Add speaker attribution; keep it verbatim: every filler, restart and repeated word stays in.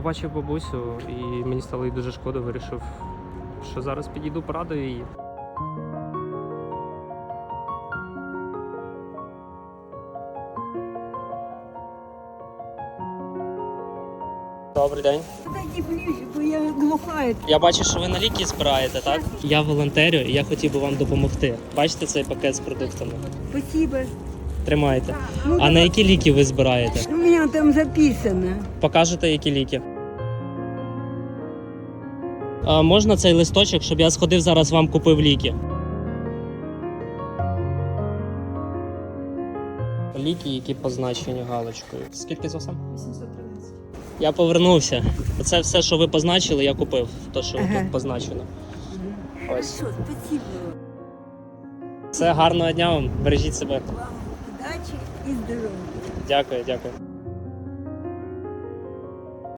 Speaker 1: Бачив бабусю і мені стало їй дуже шкода, вирішив, що зараз підійду, порадую її. Добрий день.
Speaker 2: Подойди ближе, бо я глухая.
Speaker 1: Я бачу, що ви на ліки збираєте, так? Я волонтерю і я хотів би вам допомогти. Бачите цей пакет з продуктами?
Speaker 2: Спасибо.
Speaker 1: Тримайте.
Speaker 2: Ну,
Speaker 1: А на які ліки ви збираєте?
Speaker 2: У меня там записано.
Speaker 1: Покажете, які ліки? А можна цей листочок, щоб я сходив зараз вам купив ліки? Ліки, які позначені галочкою. Скільки з вас?
Speaker 2: вісімсот тринадцять.
Speaker 1: Я повернувся. Це все, що ви позначили, я купив. То, що
Speaker 2: Ага.
Speaker 1: тут позначено. Ось.
Speaker 2: Хорошо, спасибо.
Speaker 1: Все, гарного дня вам. Бережіть себе.
Speaker 2: Вам удачи и здоровья.
Speaker 1: Дякую, дякую.